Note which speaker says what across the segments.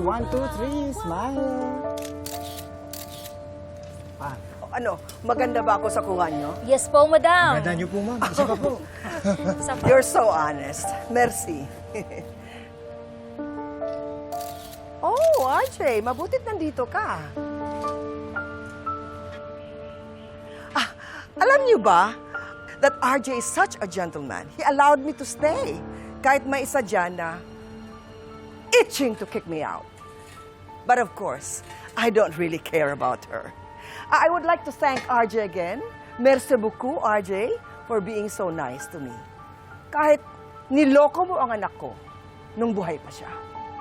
Speaker 1: 1, 2, 3, smile. Ah,
Speaker 2: Ano, maganda ba ako sa kuha nyo?
Speaker 3: Yes po, madam.
Speaker 1: ganda niyo po, ma'am. Isa pa po.
Speaker 3: Isa pa.
Speaker 2: You're so honest. Merci. Oh, RJ, mabutit nandito ka. Alam niyo ba that RJ is such a gentleman? He allowed me to stay. Kahit may isa dyan na itching to kick me out. But of course, I don't really care about her. I would like to thank RJ again. Merci beaucoup, RJ, for being so nice to me. Kahit niloko mo ang anak ko nung buhay pa siya.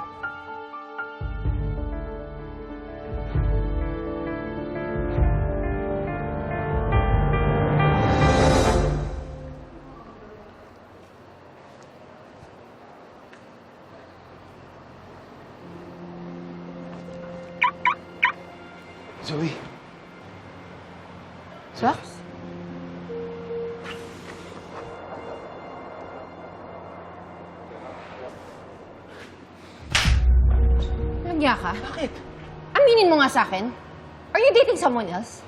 Speaker 1: Zoe.
Speaker 4: Sax? Nagya ka?
Speaker 1: Bakit?
Speaker 4: Aminin mo nga sa akin. Are you dating someone else?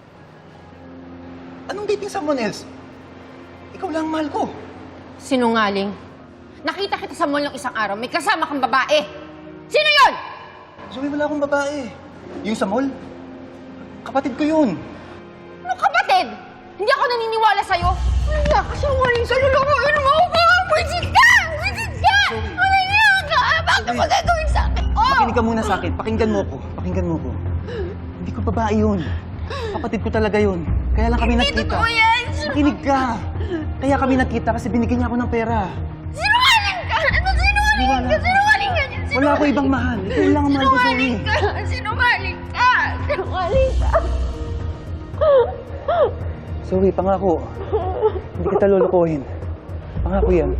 Speaker 1: Anong dating someone else? Ikaw lang ang mahal ko.
Speaker 4: Sinungaling. Nakita kita sa mall ng isang araw, may kasama kang babae. Sino yon?
Speaker 1: Zoe, wala akong babae. Yung sa mall? Kapatid ko yun.
Speaker 4: Ano kapatid? Hindi ako naniniwala sa'yo. Wala ka sa waling sa luluruin mo ako. Wisit ka! Wisit ka! Wala ka! Bakit mo gagawin sa akin? Oh!
Speaker 1: Makinig ka muna sa akin. Pakinggan mo ko. Pakinggan mo ko. Hindi ko babae yun. Kapatid ko talaga yun. Kaya lang kami
Speaker 4: Hindi
Speaker 1: nakita.
Speaker 4: totoo yan!
Speaker 1: Makinig ka. Kaya kami nakita kasi binigyan niya ako ng pera.
Speaker 4: Sinungaling ka! Ano sinungaling ka? Sinungaling ka!
Speaker 1: Wala ako ibang mahal. Ikaw lang ang mahal ko, Zoe.
Speaker 4: Sinungaling ka! Sinungaling ka! Sinungaling ka!
Speaker 1: Zoe, pangako. Hindi kita lulukuhin. Pangako yan.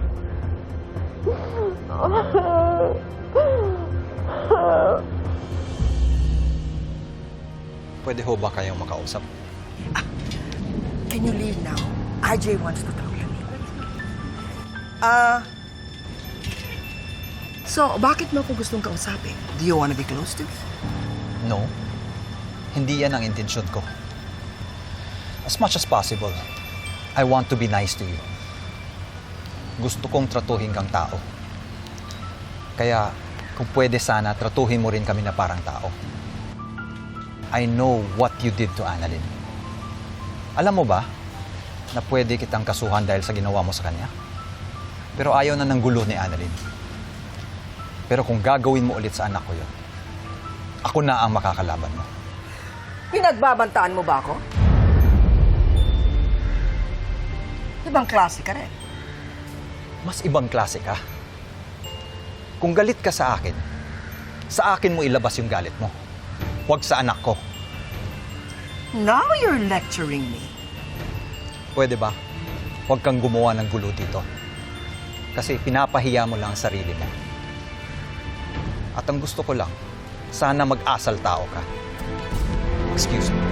Speaker 5: Pwede ho ba kayong makausap?
Speaker 2: Can you leave now? RJ wants to talk to me. So, bakit mo ako gustong kausapin? Do you want to be close to me?
Speaker 5: No. Hindi yan ang intensyon ko. As much as possible, I want to be nice to you. Gusto kong tratuhin kang tao. Kaya, kung pwede sana, tratuhin mo rin kami na parang tao. I know what you did to Annalyn. Alam mo ba na pwede kitang kasuhan dahil sa ginawa mo sa kanya? Pero ayaw na ng gulo ni Annalyn. Pero kung gagawin mo ulit sa anak ko yun, ako na ang makakalaban mo.
Speaker 2: Pinagbabantaan mo ba ako? Ibang klase ka rin.
Speaker 5: Mas ibang klase ka. Kung galit ka sa akin mo ilabas yung galit mo. Huwag sa anak ko.
Speaker 2: Now you're lecturing me.
Speaker 5: Pwede ba? Huwag kang gumawa ng gulo dito. Kasi pinapahiya mo lang ang sarili mo. At ang gusto ko lang, sana mag-asal tao ka. Excuse me.